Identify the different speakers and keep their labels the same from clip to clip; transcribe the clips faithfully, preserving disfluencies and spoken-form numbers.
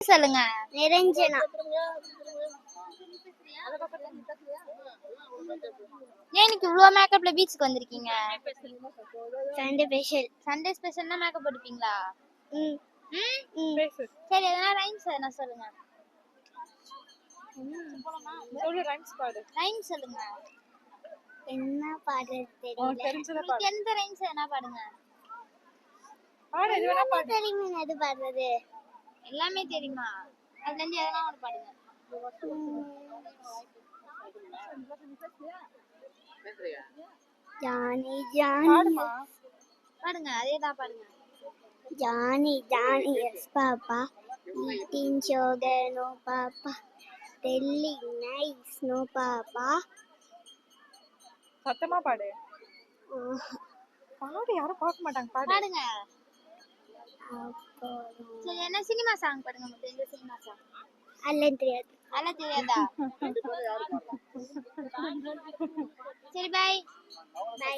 Speaker 1: சொல்லுங்க.
Speaker 2: நிரஞ்சனா.
Speaker 1: ஏன் இன்னைக்கு இவ்ளோ மேக்கப்ல பீச்சுக்கு வந்திருக்கீங்க?
Speaker 2: Sunday special.
Speaker 1: சண்டே ஸ்பெஷல்னா மேக்கப் போட்டுப்பீங்களா?
Speaker 2: ம்.
Speaker 1: ம். சரி எதனா ரைம்ஸ் எதனா சொல்லுங்க.
Speaker 3: சொல்லு ரைம்ஸ் பாடு.
Speaker 1: ரைம்ஸ் சொல்லுங்க.
Speaker 2: என்ன பாடுறது தெரியல.
Speaker 3: உனக்கு தெரிஞ்சத பாடு.
Speaker 1: எந்த ரைம்ஸ் எதனா பாடுங்க.
Speaker 3: பாடு எது வேணா பாடு.
Speaker 2: தெரியுமா எது பாடுறது?
Speaker 1: எல்லாமே தெரியுமா? அதுல இருந்து எதனா ஒன்னு பாடுங்க.
Speaker 2: ஜானி ஜானி
Speaker 3: பாடுமா.
Speaker 1: பாடுங்க அதேதான் பாடுங்க.
Speaker 2: Johny Johny yes papa eating sugar no papa telling nice no papa.
Speaker 3: சத்தமா பாடு. பாடு யாரும் பார்க்க மாட்டாங்க பாடு.
Speaker 1: பாடுங்க. சரி என்ன சினிமா சாங் பாடுங்க. உங்களுக்கு எந்த சினிமா சாங்?
Speaker 2: அல்ல தெரியாது.
Speaker 1: அல்ல தெரியாதா? சரி பை.
Speaker 2: பை.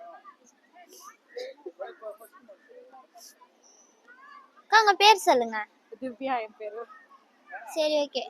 Speaker 1: உங்க பேர் சொல்லுங்க.
Speaker 3: திவ்யா என் பேரு.
Speaker 1: சரி ஓகே.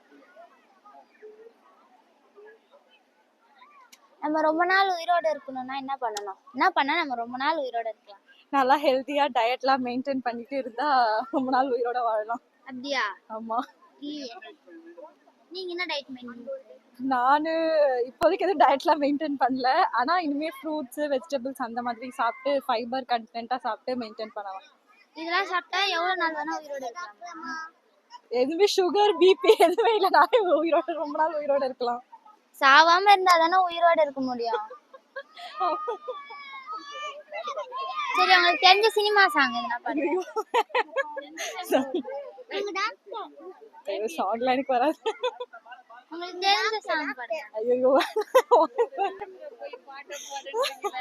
Speaker 1: நம்ம ரொம்ப நாள் உயிரோட இருக்கணும்னா என்ன பண்ணணும்? என்ன பண்ணா நம்ம ரொம்ப நாள் உயிரோட இருக்கலாம்?
Speaker 3: நல்லா ஹெல்தியா டயட்லாம் மெயின்டைன் பண்ணிட்டு இருந்தா ரொம்ப நாள் உயிரோட வாழலாம்.
Speaker 1: அப்படியா?
Speaker 3: ஆமா.
Speaker 1: நீங்க என்ன டயட் மெயின்டைன்?
Speaker 3: நானு இப்போதைக்கு எதுவும் டயட்லாம் மெயின்டைன் பண்ணல. ஆனா இனிமே ஃப்ரூட்ஸ் வெஜிடபிள்ஸ் அந்த மாதிரி சாப்பிட்டு ஃபைபர் கண்டென்ட்டா சாப்பிட்டு மெயின்டைன் பண்ணலாம்.
Speaker 1: இதெல்லாம் சாப்பிட்டா எவ்வளவு நாள் வேணா உயிரோட இருக்கலாம்?
Speaker 3: எதுவுமே சுகர் பிபி எதுவுமே இல்லைனாலே உயிரோட ரொம்ப நாள் உயிரோட இருக்கலாம்.
Speaker 1: சாவாம இருந்தா தானே உயிரோட இருக்க முடியும். சரி உங்களுக்கு தெரிஞ்ச சினிமா சாங் எதுனா பாடுங்க.
Speaker 3: சாங்லாம் எனக்கு வராது.
Speaker 1: உங்களுக்கு தெரிஞ்ச சாங் பாடுங்க.
Speaker 3: ஐயோ